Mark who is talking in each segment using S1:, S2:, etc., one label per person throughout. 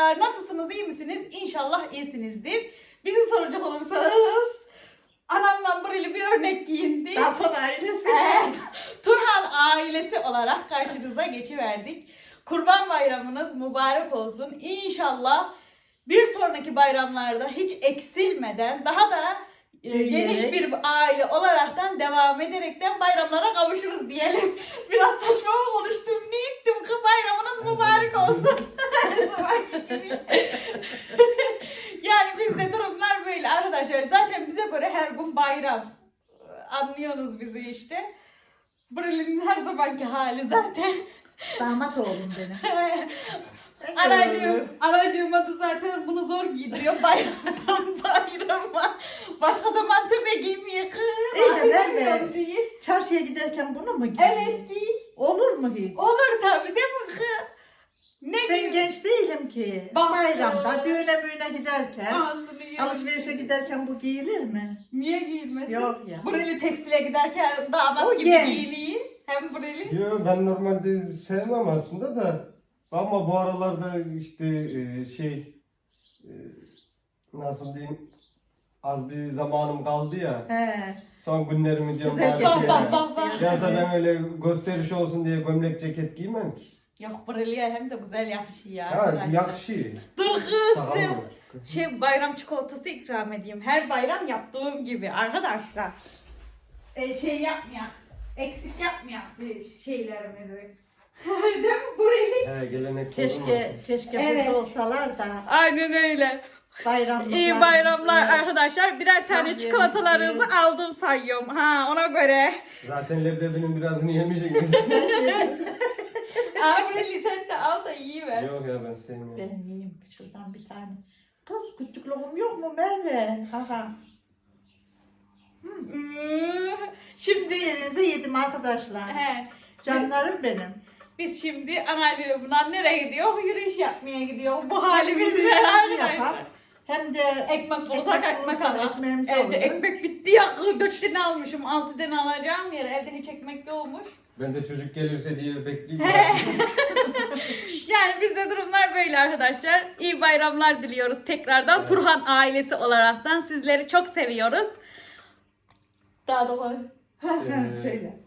S1: Merhabalar, nasılsınız, iyi misiniz? İnşallah iyisinizdir. Bizi soracak olursanız, anamla burayla bir örnek giyindik.
S2: Turhan ailesi.
S1: Evet, Turhan ailesi olarak karşınıza geçiverdik. Kurban bayramınız mübarek olsun. İnşallah bir sonraki bayramlarda hiç eksilmeden daha da geniş bir aile olaraktan devam ederekten bayramlara kavuşuruz diyelim. Biraz saçma mı konuştum? Ne ettim? Bayramınız mübarek olsun. Her zamanki gibi. Yani bizde durumlar böyle arkadaşlar. Zaten bize göre her gün bayram. Anlıyorsunuz bizi işte. Buralinin her zamanki hali zaten.
S2: Damat oğlum benim.
S1: Anacığım adı zaten bunu zor giydiriyor bayramdan bayrama. Başka zaman tübe giymeye kız.
S2: Evet.
S1: Diye.
S2: Çarşıya giderken bunu mu giy?
S1: Evet giy.
S2: Olur mu hiç?
S1: Olur tabii değil mi kız? Ne
S2: Ben
S1: giy?
S2: genç değilim ki.
S1: Bak
S2: Bayramda,
S1: ya.
S2: düğüne müğüne giderken,
S1: Ağzını yiyor.
S2: alışverişe giderken bu giyilir mi?
S1: Niye giyilmesin?
S2: Yok ya.
S1: Bureli tekstile giderken damat
S2: O
S1: gibi
S2: genç.
S1: giyiniyor. Hem bureli.
S3: Yo, ben normalde sevmem aslında da ama bu aralarda işte nasıl diyeyim, az bir zamanım kaldı ya,
S2: He.
S3: son günlerimi diyorum
S2: Güzel
S3: bari
S2: geçiyor.
S1: Bak.
S3: Yazsa ben öyle gösteriş olsun diye gömlek ceket giymem ki.
S1: Yok bureliye hem de güzel yakışıyor ya.
S3: Ha,
S1: arkadaşlar.
S3: yakışıyor.
S1: Dur
S3: Sağ
S1: kızım.
S3: olun.
S1: Bayram çikolatası ikram edeyim. Her bayram yaptığım gibi arkadaşlar. Şey yapmayak. Eksik yapmayak şeylerimizi. Değil mi? Bureli.
S3: He, gelenek
S2: Keşke
S1: Evet.
S2: burada olsalar da
S1: Aynen öyle.
S2: bayramlıklar.
S1: İyi bayramlar arkadaşlar. Birer tane
S2: Tabii,
S1: çikolatalarınızı
S2: evet.
S1: aldım sayıyorum. Ha ona göre.
S3: Zaten leblebinin birazını yemişsiniz.
S1: Bureli sen de al da iyi ver.
S3: Yok ya, ben sevmiyorum.
S2: Ben yiyeyim şuradan bir tane. Kız küçük lokum yok mu Merve? Aha.
S1: Şimdi
S2: Sizi yerinize yedim arkadaşlar.
S1: he,
S2: Canlarım benim.
S1: biz şimdi anacığımla nereye gidiyor? Yürüyüş yapmaya gidiyor. Bu halimizle
S2: Yürüyüşümüzü
S1: arkadaşlar.
S2: yapar. Hem de
S1: Ekmek bulursak ekmek
S2: bulursak
S1: alır.
S2: ekmeğimizi
S1: Evde
S2: alırız.
S1: ekmek bitti ya. 4 tane almışım. 6 tane alacağım yere. Evde hiç ekmek de olmuş.
S3: Ben de çocuk gelirse diye bekleyeyim.
S1: Yani bizde durumlar böyle arkadaşlar. İyi bayramlar diliyoruz tekrardan.
S3: Evet.
S1: Turhan ailesi olaraktan sizleri çok seviyoruz. Daha da var.
S2: Söyle.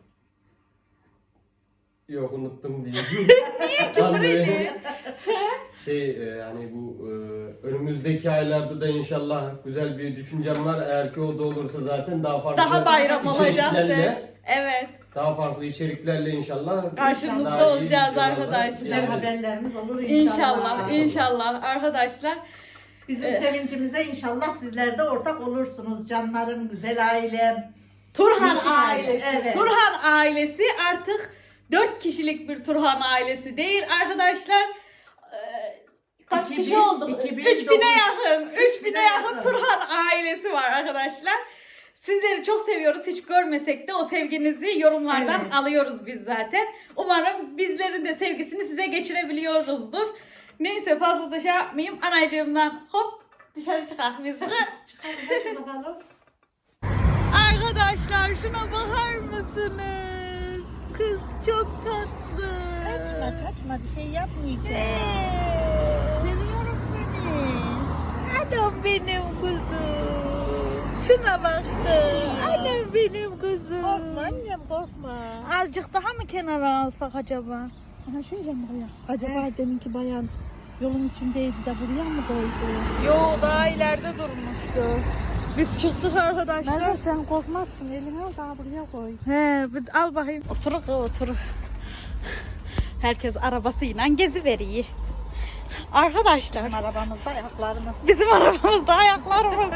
S3: Yok, unuttum diye.
S1: Niye ki burayı?
S3: Yani bu önümüzdeki aylarda da inşallah güzel bir düşüncem var. Eğer ki o da olursa zaten daha farklı
S1: Daha bayram olacaktı.
S3: içeriklerle,
S1: Evet.
S3: daha farklı içeriklerle inşallah
S1: Karşınızda
S3: daha iyi
S1: olacağız
S3: videolarla
S1: arkadaşlar.
S2: Güzel
S3: geliriz.
S2: haberlerimiz olur inşallah.
S1: İnşallah arkadaşlar.
S2: Bizim sevincimize inşallah sizler de ortak olursunuz canlarım, güzel ailem.
S1: Turhan
S2: Bizim
S1: ailesi.
S2: evet.
S1: Turhan ailesi artık 4 kişilik bir Turhan ailesi değil arkadaşlar. Kaç
S2: 2000,
S1: kişi olduk?
S2: 2009.
S1: 3000'e yakın. 3000'e yakın
S2: yakın.
S1: Turhan ailesi var arkadaşlar. Sizleri çok seviyoruz. Hiç görmesek de o sevginizi yorumlardan
S2: Evet.
S1: alıyoruz biz zaten. Umarım bizlerin de sevgisini size geçirebiliyoruzdur. Neyse fazla da şey yapmayayım. Anacığımdan hop dışarı çıkar biz.
S2: Hadi bakalım.
S1: Arkadaşlar şuna bakar mısınız? Kız çok tatlı.
S2: Kaçma bir şey yapmayacağım.
S1: Ee,
S2: Seviyoruz seni.
S1: Anam benim kuzum. Şuna baktı. Anam benim kuzum.
S2: Korkma annem korkma.
S1: Azıcık daha mı kenara alsak acaba?
S2: Ana şöyle mi koyak? Acaba deminki bayan yolun içindeydi de buraya mı koydu?
S1: Yo daha ileride durmuştu. Biz çıktık arkadaşlar.
S2: Merve sen korkmazsın elini al daha buraya koy.
S1: He, al bakayım. Otur. Herkes arabasıyla gezi veriyor. Arkadaşlar.
S2: Bizim arabamızda ayaklarımız.
S1: Bizim arabamızda ayaklarımız.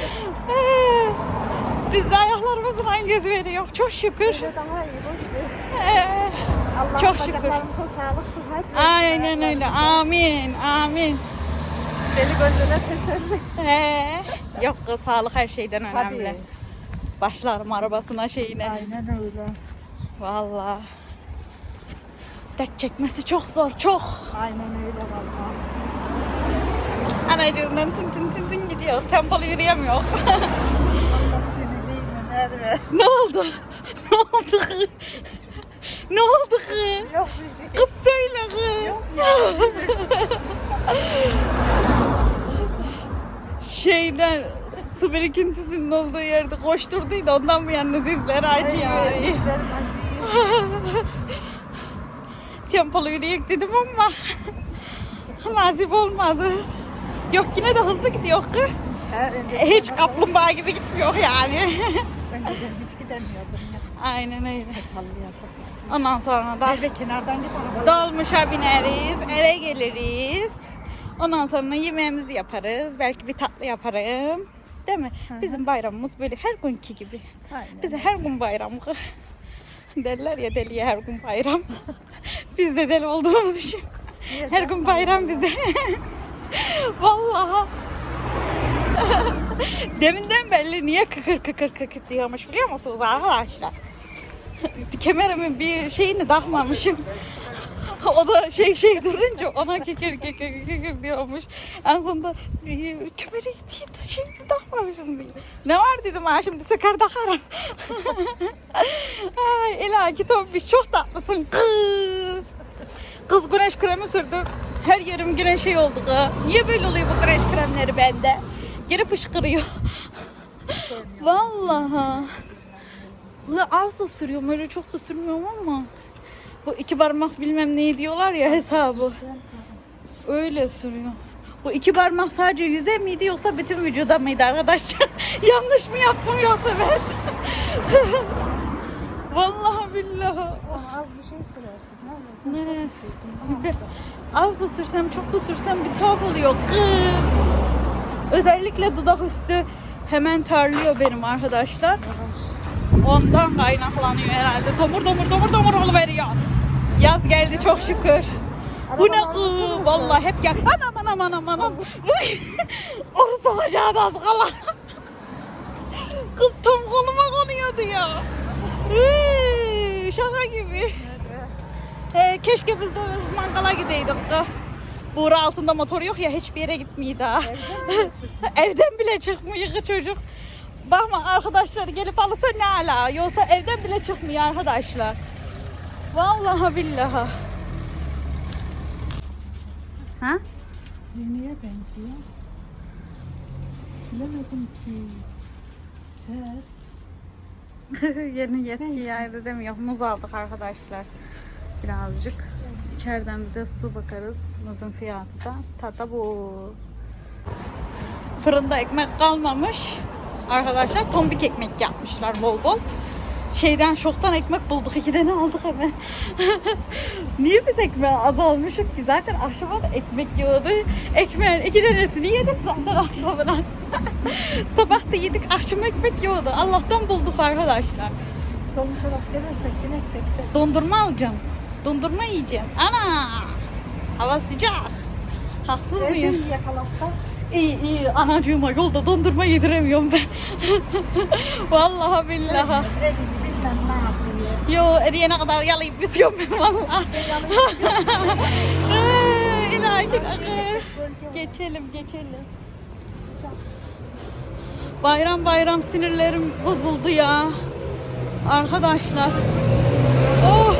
S1: Biz de ayaklarımızla gezi veriyor. Çok şükür.
S2: Böyle daha iyi boş ver. Allah
S1: Çok şükür.
S2: bacaklarımıza sağlık sıhhat versin.
S1: Aynen öyle. Amin. Amin.
S2: Deli gönlüne teselli.
S1: Yok kız, sağlık her şeyden önemli.
S2: Hadi.
S1: Başlarım arabasına şeyine.
S2: Aynen öyle.
S1: Vallahi. Dert çekmesi çok zor. Çok.
S2: Aynen öyle valla.
S1: Anacığımdan tın gidiyor. Tempolu yürüyemiyor.
S2: Allah seni değil mi Merve?
S1: Ne oldu? Ne oldu kız? Ne oldu kız?
S2: Yok bir şey.
S1: Kız söyle kız.
S2: Yok ya.
S1: şeyden su birikintisinin olduğu yerde koşturduydu. Ondan bu yana dizler acıyor. Tempolu yürüyek dedim ama nasip olmadı. Yok yine de hızlı gidiyor ki. Hiç kaplumbağa gibi gitmiyor yani.
S2: Önceden hiç gidemiyordum ya.
S1: Aynen öyle.
S2: Kallıyordum.
S1: Ondan sonra da
S2: Ve kenardan git arabalar.
S1: dolmuşa bineriz, eve geliriz. Ondan sonra yemeğimizi yaparız. Belki bir tatlı yaparım. Değil mi? Bizim bayramımız böyle her günkü gibi.
S2: Aynen.
S1: Bize her gün bayram. Derler ya deliye her gün bayram. Biz de deli olduğumuz için her gün bayram bize. Vallahi. Deminden belli niye kıkır kıkır kıkır diyormuş biliyor musunuz arkadaşlar? Kemerimin bir şeyini takmamışım. O da şey durunca ona kekir diyormuş. En sonunda kemeri şeyini takmamışım diye. Ne var dedim ha şimdi söker takarım. Ay ilahi Tombiş çok tatlısın. Kız güneş kremi sürdü. Her yerim güneş şey oldu kız. Niye böyle oluyor bu güneş kremleri bende? Geri fışkırıyor. Vallahi. Az da sürüyorum öyle çok da sürmüyorum ama. Bu 2 parmak bilmem neyi diyorlar ya hesabı. Öyle sürüyor. Bu 2 parmak sadece yüze miydi yoksa bütün vücuda mıydı arkadaşlar? Yanlış mı yaptım yoksa ben? Vallahi billahi.
S2: Az bir şey sürersin.
S1: Ne? Az da sürsem çok da sürsem bir tuhaf oluyor. Özellikle dudak üstü hemen terliyor benim arkadaşlar. Ondan kaynaklanıyor herhalde. Tomur oluveriyor. Yaz geldi çok şükür. Bu ne kız? Vallahi hep gel. Anam. Onu sokacağı da az kala. Kız tam koluma konuyordu ya. Şaka gibi. Keşke biz de mangala gideydik. Buğra altında motor yok ya hiçbir yere gitmiyor daha. Evden bile çıkmıyor çocuk. Bakma arkadaşlar gelip alırsa ne ala. Yoksa evden bile çıkmıyor arkadaşlar. Vallahi billahi. Ha?
S2: Neye benziyor? Bilemedim ki.
S1: Yeni eski yaydı demiyor. Muz aldık arkadaşlar. Birazcık. İçeriden bir de su bakarız. Muzun fiyatı da. Tata bu. Fırında ekmek kalmamış. Arkadaşlar tombik ekmek yapmışlar bol bol. Şeyden şoktan ekmek bulduk. 2 tane aldık hemen. Niye biz ekmeği az almışık ki? Zaten akşama da ekmek yiyordu. Ekmeğin 2 tanesini yedik zaten akşamdan. Sabah da yedik. Akşam ekmek yiyordu. Allah'tan bulduk arkadaşlar.
S2: Dolmuşa rast gelirsek yine tek.
S1: Dondurma alacağım. Dondurma yiyeceğim. Ana! Hava sıcak. Haksız mıyım?
S2: Evde yakalafta.
S1: İyi anacığıma yolda dondurma yediremiyorum ben. Vallahi billahi.
S2: Eridi bilmem ne yapıyor.
S1: Yo eriyene kadar yalayıp bitiyorum ben vallahi. İlahi geçelim. Bayram sinirlerim bozuldu ya. Arkadaşlar. Oh.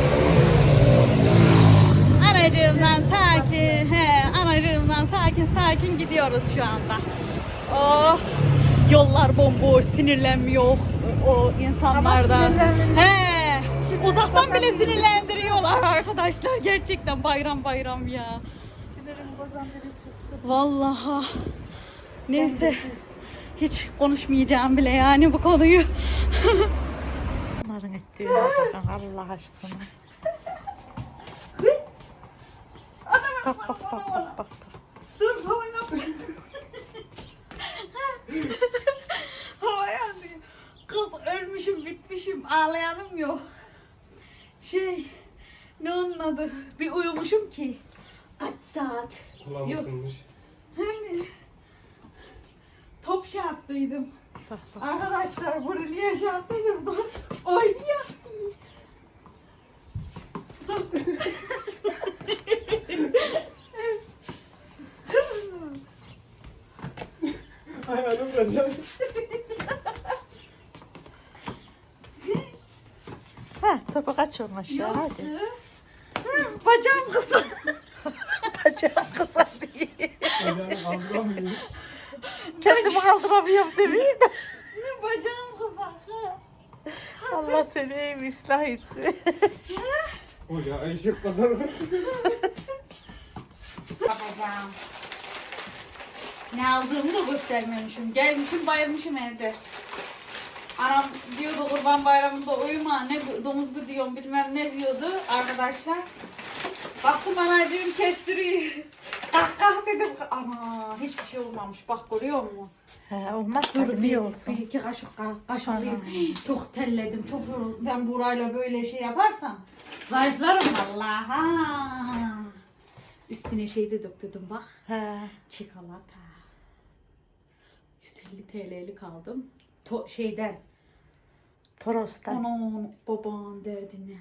S1: Anacığımdan sakin gidiyoruz şu anda. Oh. Yollar bomboş, sinirlenmiyor o insanlardan. He. Uzaktan bile sinirlendiriyorlar arkadaşlar. Gerçekten bayram ya.
S2: Sinirim bozan biri çıktı.
S1: Vallahi. Neyse. Hiç konuşmayacağım bile yani bu konuyu.
S2: Bunların ettiğine bakın Allah aşkına. Bak.
S1: Dur oynama. Havaya atıyor. Kız ölmüşüm bitmişim ağlayanım yok. Ne onun adı? Bir uyumuşum ki. Kaç saat?
S3: Kulağım
S1: Yok.
S3: ısınmış.
S1: Hani top şey yaptıydım. Arkadaşlar burayı yaşattıydım. Oynuyor.
S3: Ayağını vuracağım.
S2: Topu kaçırma aşağı hadi.
S1: Bacağım kısa.
S2: Bacağım kısa diye.
S3: Ayağını aldıramıyorum.
S2: kendimi kaldıramıyorum demeyin.
S1: Bacağım kızardı.
S2: Allah seni iyi ıslah etsin.
S3: O ya eşek kadar mısın?
S1: Bacağım. Ne aldığımı da göstermemişim. Gelmişim bayılmışım evde. Anam diyordu Kurban Bayramı'nda uyuma ne domuzgu diyorum bilmem ne diyordu arkadaşlar. Baktım anacığım kestiriyor. Kalk dedim. Ana hiçbir şey olmamış. Bak görüyor musun?
S2: He, olmaz
S1: Dur
S2: tabii,
S1: bir,
S2: iyi olsun.
S1: bir iki kaşık alayım. Çok terledim, çok yoruldum. Ben burayla böyle şey yaparsam zayıflarım vallahi. Üstüne şey de döktürdüm bak.
S2: He.
S1: Çikolata. 150 TL'lik aldım. Şeyden.
S2: Toros'tan.
S1: Onun babanın derdine.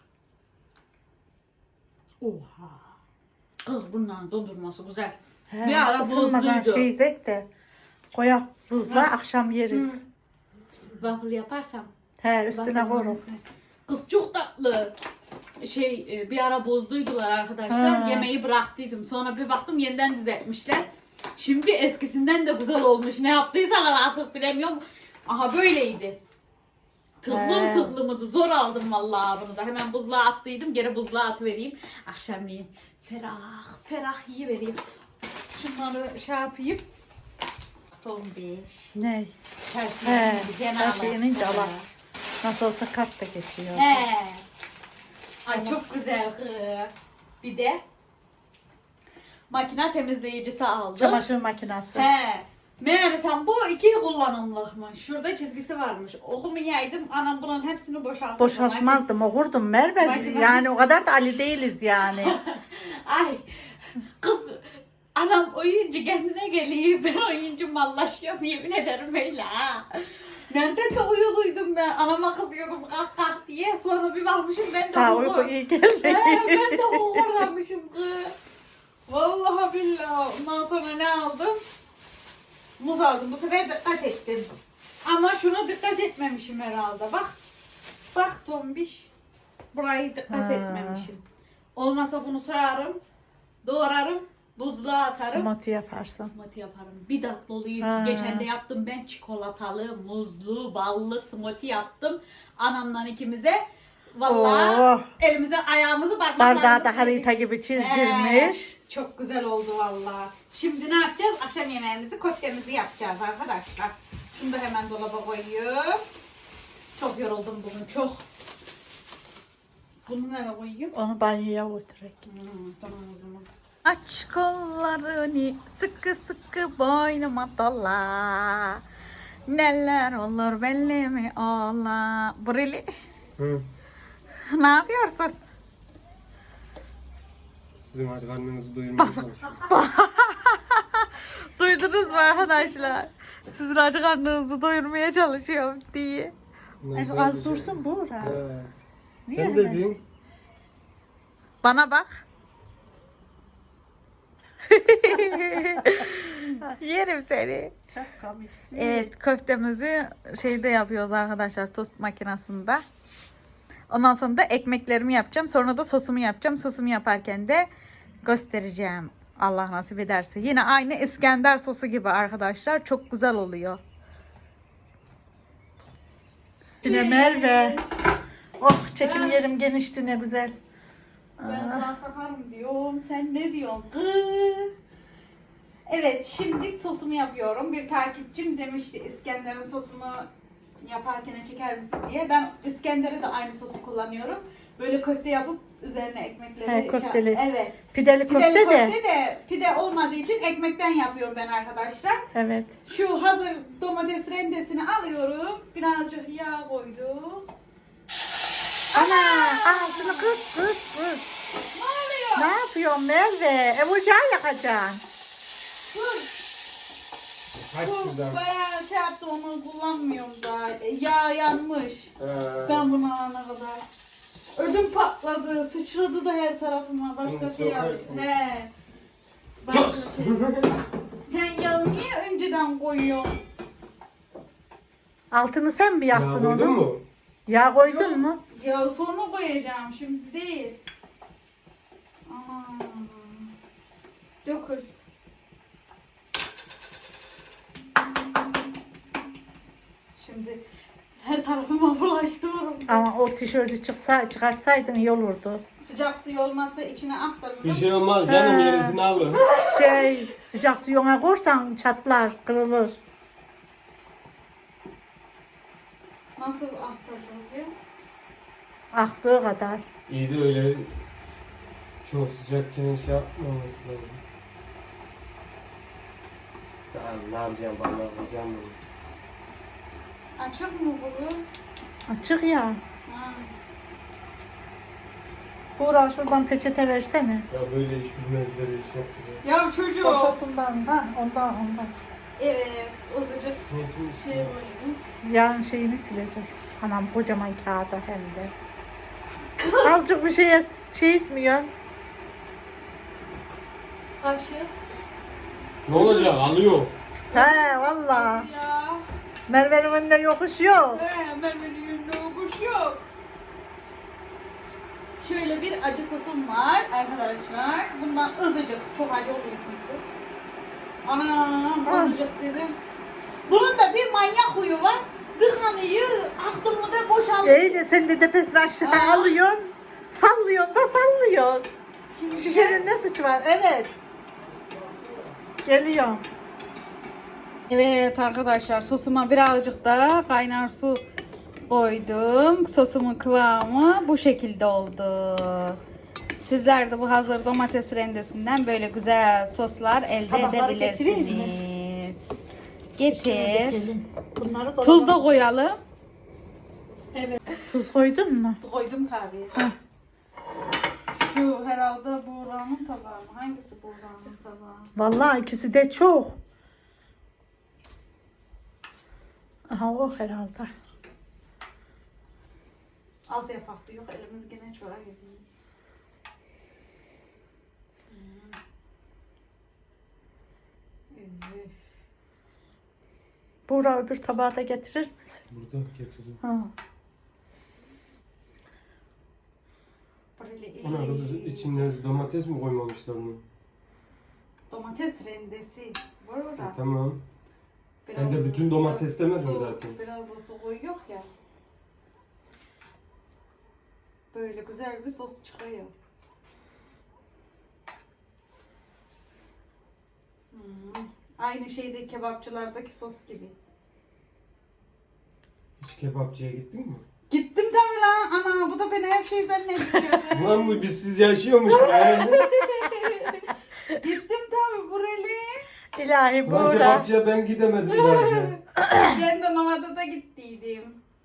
S1: Oha. Kız bunların dondurması güzel.
S2: He,
S1: Bir ara
S2: ısınmadan
S1: bozluydu.
S2: şeydek de koyak buzla akşam yeriz.
S1: Waffle yaparsam.
S2: He, üstüne
S1: waffle
S2: koyarız.
S1: makinesi. Kız çok tatlı. Bir ara bozduydular arkadaşlar.
S2: Ha.
S1: Yemeği bıraktıydım. Sonra bir baktım yeniden düzeltmişler. Şimdi eskisinden de güzel olmuş. Ne yaptıysalar artık bilemiyorum. Aha böyleydi.
S2: He.
S1: Tıklımıydı. Zor aldım vallahi bunu da. Hemen buzluğa attıydım. Geri buzluğa atıvereyim. Akşamleyin ferah yiyivereyim. Şunları şey yapayım. Son 5.
S2: Ne?
S1: Çarşıya
S2: He,
S1: inince gene
S2: çarşıya
S1: alalım.
S2: inince Allah. Nasıl olsa kart da geçiyor.
S1: He. Ay çok güzel kız. Bir de makine temizleyicisi aldım.
S2: Çamaşır makinesi.
S1: He. Meğersem bu 2 kullanımlıkmış. Şurada çizgisi varmış. Okumayaydım. Anam bunun hepsini boşalttı.
S2: Boşaltmazdım, okurdum Merve.
S1: Makine-
S2: Yani o kadar da Ali değiliz yani.
S1: Ay kız anam oyuncu kendine geliyor. Ben oyuncu mallaşıyorum yemin ederim öyle ha. Nerede de uyuluydum ben. Anama kızıyordum kalk diye. Sonra bir bakmışım ben de
S2: Sağ uyku iyi geldi.
S1: Ben de uğurlamışım kız. Vallahi billahi. Ondan sonra ne aldım? Muz aldım. Bu sefer dikkat ettim. Ama şuna dikkat etmemişim herhalde. Bak tombiş. Burayı dikkat
S2: Ha.
S1: etmemişim. Olmasa bunu soyarım. Doğrarım. Buzluğa atarım.
S2: Smoothie yaparsın.
S1: Smoothie yaparım. Bir tatlı oluyor
S2: Ha.
S1: ki geçen de yaptım ben çikolatalı, muzlu, ballı smoothie yaptım. Anamdan ikimize. Vallahi
S2: Oh.
S1: elimize ayağımızı
S2: Bardağı
S1: parmaklarımızı
S2: da harita gibi çizdirmiş.
S1: çok güzel oldu vallahi. Şimdi ne yapacağız? Akşam yemeğimizi, köftemizi yapacağız arkadaşlar. Şunu da hemen dolaba koyuyorum. Çok yoruldum bugün çok. Bunu nereye koyayım?
S2: Onu banyoya götürek.
S1: Tamam o zaman.
S2: Aç kollarını sıkı sıkı boynuma dola. Neler olur belli mi ola. Burili
S3: Hı.
S2: ne yapıyorsun?
S3: Sizin aç karnınızı doyurmaya çalışıyorum.
S2: Duydunuz mu arkadaşlar? Sizin aç karnınızı doyurmaya çalışıyorum diye. Az dursun Buğra.
S3: He. Sen dedin.
S2: Bana bak. Yerim seni.
S4: Çok komiksin.
S2: Evet, köftemizi şeyde yapıyoruz arkadaşlar, tost makinesinde. Ondan sonra da ekmeklerimi yapacağım. Sonra da sosumu yapacağım. Sosumu yaparken de göstereceğim. Allah nasip ederse. Yine aynı İskender sosu gibi arkadaşlar. Çok güzel oluyor. Yine Merve. Oh, çekim yerim genişti, ne güzel.
S1: Ben sana sakarım diyorum. Sen ne diyorsun? Kız. Evet, şimdi sosumu yapıyorum. Bir takipçim demişti İskender'in sosunu yaparken çeker misin diye. Ben İskender'e de aynı sosu kullanıyorum. Böyle köfte yapıp üzerine ekmekleri...
S2: He, köfteli.
S1: Evet.
S2: Pideli
S1: Pideli
S2: köfte de.
S1: köfte de pide olmadığı için ekmekten yapıyorum ben arkadaşlar.
S2: Evet.
S1: Şu hazır domates rendesini alıyorum. Birazcık yağ koydum.
S2: Ana, altını kız.
S1: Ne oluyor?
S2: Ne yapıyorsun Merve? Ocağı yakacaksın.
S1: Dur.
S3: Kaç
S1: Bu
S3: şuradan.
S1: bayağı şey yaptı, onu kullanmıyorum da. Yağ yanmış. Ben bunu alana kadar. Ödüm patladı, sıçradı da her tarafıma. Başka
S3: Bunu
S1: şey yaptı.
S3: sokarsın.
S1: He. Başka şey. Sen yağı niye önceden koyuyorsun?
S2: Altını sen mi yaktın
S3: Ya,
S2: onu?
S3: duydun mu?
S2: Yağ koydun mu?
S1: Yağı sonra koyacağım, şimdi değil. Aman. Dökül. şimdi. Her tarafıma bulaştırıyorum.
S2: Ama o tişörtü çıkarsaydın iyi olurdu.
S1: Sıcak suyu olmazsa içine aktarırım.
S3: Bir şey olmaz canım,
S2: He.
S3: yenisini alır.
S2: Sıcak suyuna korsan çatlar, kırılır.
S1: Nasıl aktaracağım diye.
S2: Aktığı kadar.
S3: İyi de öyle çok sıcakken şey yapmaması lazım. Tamam, ne yapacağım, bana yapacağım bunu.
S1: Açık mı bunu?
S2: Açık ya.
S1: Ha.
S2: Buğra şuradan peçete versene.
S3: Ya böyle iş bilmezler iş yapacağım.
S1: Ya çocuğum.
S2: Ortasından, ha ondan.
S1: Evet, azıcık
S3: Niyetimiz
S1: şey koyayım.
S2: Yarın şeyini sileceğim. Anam kocaman kağıda hem de. Azıcık bir şeye şey etmiyor.
S1: Kaşık.
S3: Ne olacak, alıyor.
S2: He valla.
S1: Ya.
S2: Merve'nin önünde yokuş yok.
S1: Merve'nin yönünde okuş yok. Şöyle bir acı sosum var arkadaşlar. Bundan azıcık. Çok acı oluyor çünkü. Anam azıcık dedim. Bunun da bir manyak huyu var. Dıkanıyı aklımı da boşaltıyor.
S2: İyi de sen de tepesini aşağı
S1: Aa.
S2: alıyorsun. Sallıyorsun da sallıyorsun.
S1: Şimdi
S2: Şişenin ne suçu var? Evet. Geliyor.
S4: Evet arkadaşlar, sosuma birazcık da kaynar su koydum. Sosumun kıvamı bu şekilde oldu. Sizler de bu hazır domates rendesinden böyle güzel soslar elde
S2: Tabakları getireyim
S4: edebilirsiniz. Getir.
S2: Bunları
S4: Tuz da koyalım.
S2: Evet. Tuz koydun mu?
S1: koydum tabii.
S2: Heh.
S1: Şu herhalde Buğra'nın tabağı mı? Hangisi Buğra'nın tabağı?
S2: Vallahi ikisi de çok. Aha o herhalde.
S1: Az yapaktı. Yok elimiz gene çoğa gidiyor. Evet.
S2: Buğra öbür tabağı da getirir misin?
S3: Burada getirdim.
S2: Ha.
S1: Böyle
S3: Ana kız, içinde domates mi koymamışlar onu?
S1: domates rendesi. Bu arada.
S3: Tamam. Ben de bütün domates demedim
S1: su,
S3: zaten.
S1: Biraz da su koyuyor ya. Böyle güzel bir sos çıkıyor. Aynı şeyde kebapçılardaki sos gibi.
S3: Hiç kebapçıya gittin mi?
S1: Gittim tabii lan. Ana bu da beni hep şey zannediyor.
S3: Ulan bu bizsiz yaşıyormuş be.
S1: Gittim tabii buraya.
S2: İlahi
S3: Ulan
S2: Buğra.
S3: kebapçıya ben gidemedim daha önce.
S1: Randomada da gittiydim.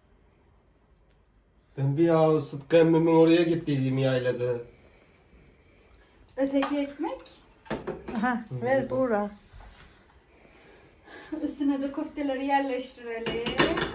S3: Ben bir ya Sıtkı emmimin oraya gittiydim yaylada.
S1: Öteki ekmek.
S2: Aha, ver Buğra.
S1: Üstüne de köfteleri yerleştirelim.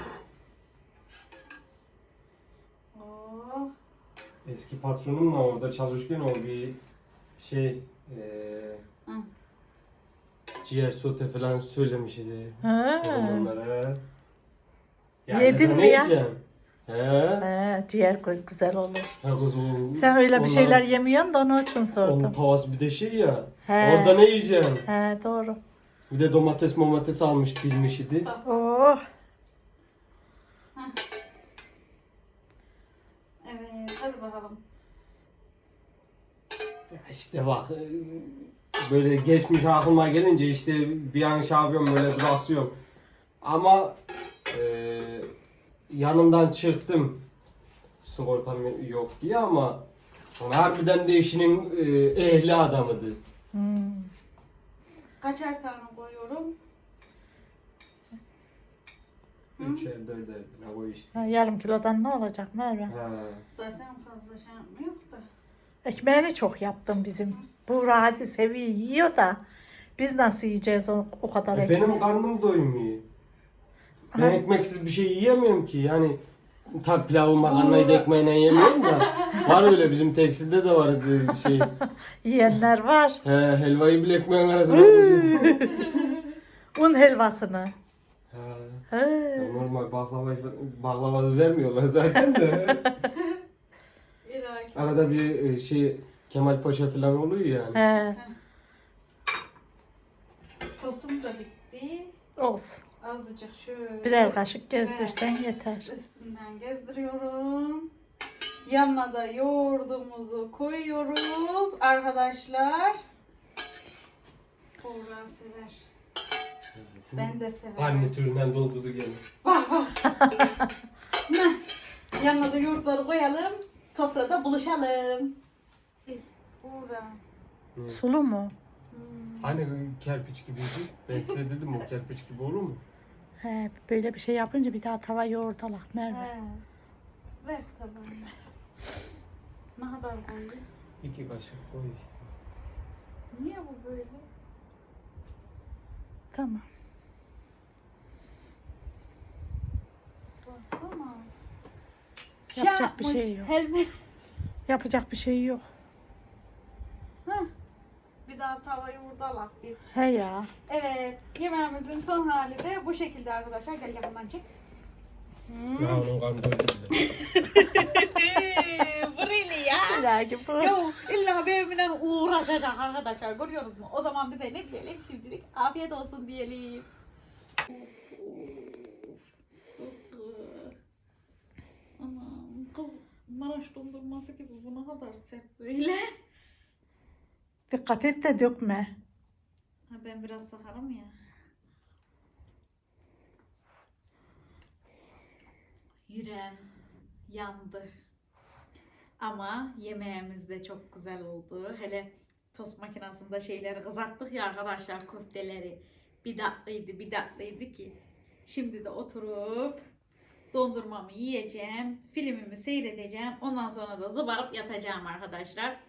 S1: Oh.
S3: Eski patronumla orada çalışırken o bir şey
S1: Hı.
S3: ciğer sote falan söylemişti.
S2: Ha.
S3: O zamanlara.
S2: Yedin mi ya?
S3: He.
S2: He, ciğer koy güzel olur.
S3: Ha kız o.
S2: Sen öyle bir
S3: onlar-
S2: şeyler yemiyorsun da onun için
S3: Onun
S2: sordum.
S3: tavası bir de şey ya.
S2: He.
S3: Orada ne yiyeceğim?
S2: He doğru.
S3: Bir de domates almış dilmiş idi.
S2: Oh.
S1: Evet hadi bakalım.
S3: Ya İşte bak böyle geçmiş aklıma gelince işte bir an şey yapıyorum böyle duraksıyorum. Ama yanından çıktım sigortam yok diye ama harbiden de işinin ehli adamıydı.
S2: Hmm.
S1: Kaçer tane koyuyorum?
S3: Üçer dörder ne o işte.
S2: Ha, yarım kilodan ne olacak Merve?
S3: Ha.
S1: Zaten fazla şey yapmıyor da.
S2: Ekmeğini çok yaptım bizim. Buğra hadi seviyor yiyor da biz nasıl yiyeceğiz o kadar ekmeği?
S3: Benim karnım doymuyor. Ben
S2: Aha.
S3: ekmeksiz bir şey yiyemiyorum ki yani. Tabi pilavı makarnayı da ekmeğine yemiyorum da. Var öyle bizim tekstilde de vardı şey.
S2: Yiyenler var.
S3: Helvayı bile ekmeğin arasına koyuyor.
S2: Un helvasını.
S3: Ha.
S2: He.
S3: Ya normal baklava vermiyorlar zaten de.
S1: İlahi.
S3: Arada bir şey Kemal Paşa falan oluyor yani.
S2: He.
S1: Sosum da bitti.
S2: Olsun.
S1: azıcık şöyle.
S2: Birer kaşık gezdirsen yeter.
S1: Üstünden gezdiriyorum. Yanına da yoğurdumuzu koyuyoruz arkadaşlar. Buğra sever. Ben de severim.
S3: Garnitüründen doldurdu gene.
S1: Bak bak. Yanına da yoğurtları koyalım. Sofrada buluşalım. Buğra.
S2: Sulu mu?
S3: Hani kerpiç gibiydi. Ben size dedim o kerpiç gibi olur mu?
S2: He, böyle bir şey yapınca bir daha tava yoğurt alak Merve.
S1: He. Ver tabağını. Ne kadar koyayım?
S3: 2 kaşık koy işte.
S1: Niye bu böyle?
S2: Tamam.
S1: Baksana.
S2: Yapacak bir şey yok.
S1: Helmet.
S2: Yapacak bir şey yok.
S1: Bir daha tava yoğurdalak biz.
S2: He ya.
S1: Evet, yemeğimizin son hali de bu şekilde arkadaşlar. Gel yakından çek.
S3: Ya onun karnı doydu bile.
S1: Burayla ya.
S2: İlahi bu.
S1: Yo, illa benimle uğraşacak arkadaşlar. Görüyorsunuz mu? O zaman bize ne diyelim şimdilik? Afiyet olsun diyelim. Anam kız Maraş dondurması gibi bu ne kadar sert böyle.
S2: Dikkat et de dökme.
S1: Ha, ben biraz sakarım ya. Yüreğim yandı. Ama yemeğimiz de çok güzel oldu. Hele tost makinesinde şeyleri kızarttık ya arkadaşlar, köfteleri. Bir tatlıydı ki. Şimdi de oturup dondurmamı yiyeceğim. Filmimi seyredeceğim. Ondan sonra da zıbarıp yatacağım arkadaşlar.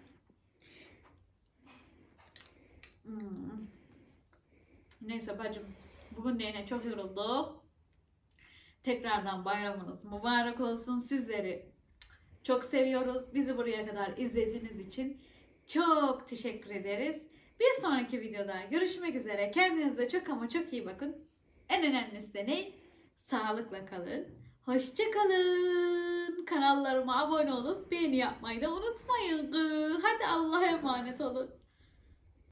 S1: Neyse bacım. Bugün de yine çok yorulduk. Tekrardan bayramınız mübarek olsun. Sizleri çok seviyoruz. Bizi buraya kadar izlediğiniz için çok teşekkür ederiz. Bir sonraki videoda görüşmek üzere. Kendinize çok ama çok iyi bakın. En önemlisi de ne? Sağlıkla kalın. Hoşça kalın. Kanallarıma abone olup beğeni yapmayı da unutmayın. Hadi Allah'a emanet olun.